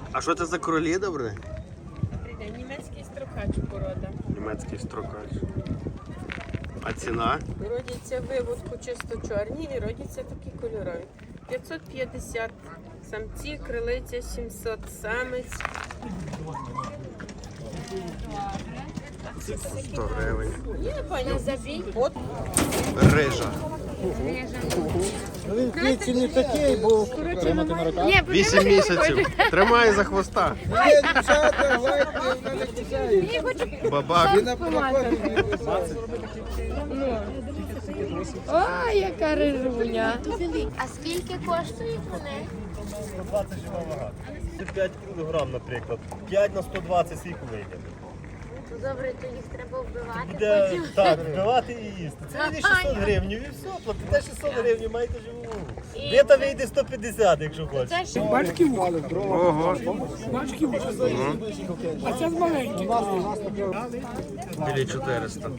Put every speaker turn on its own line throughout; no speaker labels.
А що це за кролі, добре?
Німецький строкач порода.
Німецький строкач. А ціна?
Родяться виводку чисто чорні і родяться такі кольорові. 550 самці, крилиця 700 самець.
100 гривень.
Є, пані, забій. От.
Рижа.
Він квітці не такий, бо тримати на руках.
8 місяців. Тримай за хвоста.
Є дівчата, гладьте, вона не кусає.
Бабак.
І на пароході не кусає.
Ой, яка рижуня.
А скільки коштують вони?
120 жива вага. Це 5 кг, наприклад. 5 на 120 скільки вийде.
Добре, то їх треба вбивати
Буде
потім.
так, вбивати і їсти. Це вийде 600 гривень і все, платите 600 гривень, маєте живу вагу. Віта вийде 150, якщо хочеш.
Це ж
Ого.
А це маленький.
Білі 400.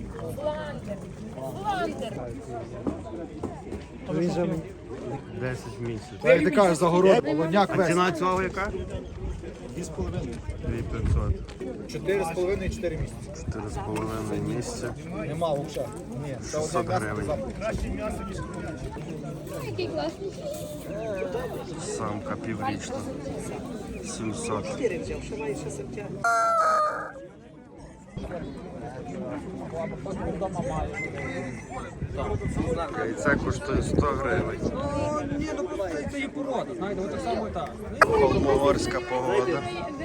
Він же
10 місяців.
як ти кажеш, загород, полоняк
А
весь.
ціна цього яка?
2,5.
2500.
4,5 і 4 місяці.
4,5 місяця.
Нема взагалі. Ні, це
600
одне
гривень.
м'ясо.
Самка піврічна. 700. Яйце коштує 100 гривень.
Це є порода, знаєте, от так само і так.
Холмогорська погода.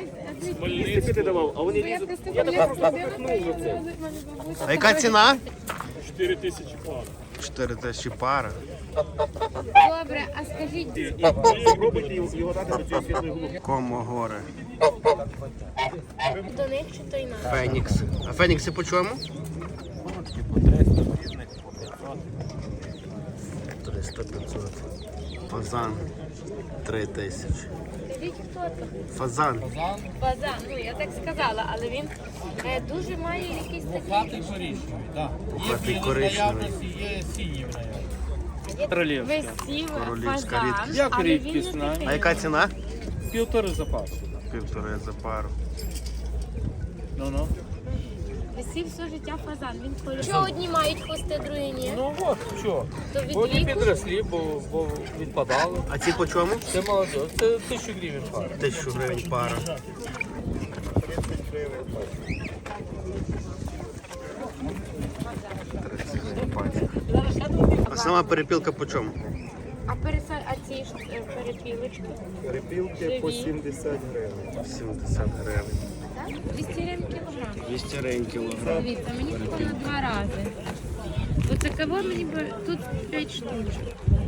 А яка ціна? 4 тисячі пара.
добре, а скажіть,
Комогори.
до них чи то й нам?
Фенікси. А фенікси по чому? 300-500. Фазан 3 тисячі.
Скажіть, хто це?
Фазан.
Базан, ну я так сказала, але він дуже має якийсь такий...
Хатий коричневий, так.
Хатий коричневий.
Є синій в неї.
Висів
Королівська
фазан,
рідкість.
Як
але він
рідкісна?
не такий.
А яка ціна?
1,5 запасу.
1,5 за пару.
Ну-ну.
Висів все життя фазан, він кольоровий. Що одні мають хвости, другі ні?
Ну от, що?
То від
Вони
віку?
підросли, бо відпадали.
А ці по чому?
Це молодь, це 1000 гривень пара.
1000 гривень пара. А сама перепілка по чому?
А ці ж перепілочки?
Перепілки по
Живі.
70 гривень.
70 гривень.
Так? 200 гривень кілограм.
200 гривень кілограм.
Дивіться, мені тако на 2 рази. Оце кого мені тут 5 штучок.